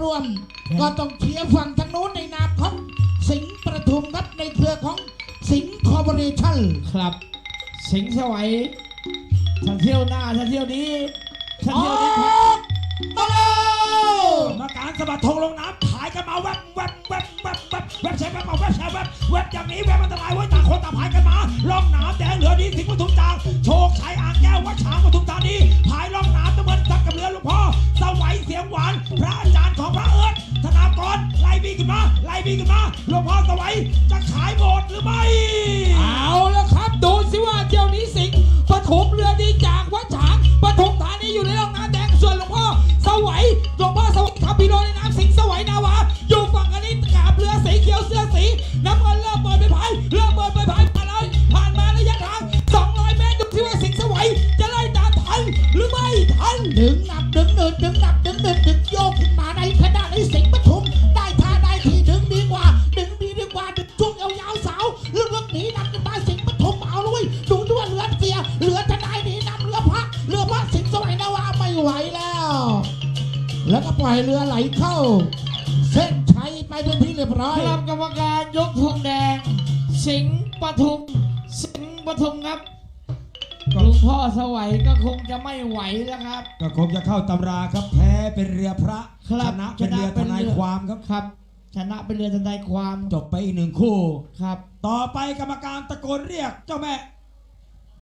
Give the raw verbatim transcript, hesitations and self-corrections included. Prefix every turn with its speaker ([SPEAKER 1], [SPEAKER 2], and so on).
[SPEAKER 1] วมก็ต้องเชียร์ฝั่งทางโน้นในนามของสิงห์ประทุมครับในเครือของสิงห์คอร์ปอเรชั่น
[SPEAKER 2] ครับสิงห์สวัยถ้าเที่ยวหน้าถ้าเที่ยวนี้ถ้าเที่ยวนี้
[SPEAKER 1] มาแล้ว
[SPEAKER 3] มาการสะบัดธงลงน้ำถ่ายกันมาแวบแวบแวบแวบแวบแวบแชร์แวบมาแวบแชร์แวบแวบอย่างนี้แวบอันตรายไว้ต่างคนต่างพายกันมาล่องน้ำแดงเหลือดีสิงห์ปทุมจางโชคชัยอ่างแก้ววัดฉางปทุมธานีพายล่องน้ำตะเวนซักกับเรือหลวงพ่อสวัยเสียงหวานพระอาจารย์ของพระเอิญธนากรไล่บีขึ้นมาไล่บีขึ้นมาหลวงพ่อสวัยจะขายหมดหรือไม่
[SPEAKER 2] เอาแล้วครับดูสิว่าเที่ยวนี้สิงห์ปทุมเรือดีจากวัดฉางปทุมธานีอยู่ในร่องน้ำแดงส่วนหลวงพ่อสวัยหลวงพ่อสวัยขับพีโรในน้ำสิงห์สวัยนาวาอยู่ฝั่งอันนี้กาบเรือสีเขียวเสื้อสีน้ำเงินเริ่มเปิดไปพายเริ่มเปิดไปพายผ่านเลยผ่านมาระยะทางสองร้อยเมตรดูที่ว่าสิงห์สวัยจะไล่ตามทันหรือไม่ทัน
[SPEAKER 1] ดึงหนักดึงเนินดึงหนักดึงเนินดึงโยกขึ้นมาในขณะในสิงห์ปทุมได้ท่าได้ทีดึงดีกว่าดึงดีดีกว่าดึงช่วงยาวๆสาวเรื่องหนีนำกันมาสิงห์ปทุมเอาเลยดูด้วยเรือเสียเรือทนายหนีนำเรือพระเรือพระสิงห์สวัยนาวาไม่ไหวแล้วแล้วก็ปล่อยเรือไหลเข้าเส้นชัยไปเป็นที่เรียบร้อย
[SPEAKER 2] ครับกรรมการยกธงแดงสิงห์ปทุมสิงห์ปทุมครับหลวงพ่อสวัยก็คงจะไม่ไหวแล้วครับ
[SPEAKER 3] ก็คงจะเข้าตำราครับแพ้เป็นเรือพระชนะเป็นเรือทนายความครับ
[SPEAKER 2] ครับชนะเป็นเรือทนายความ
[SPEAKER 3] จบไปอีกหนึ่งคู่
[SPEAKER 2] ครับ
[SPEAKER 3] ต่อไปกรรมการตะโกนเรียกเจ้าแม่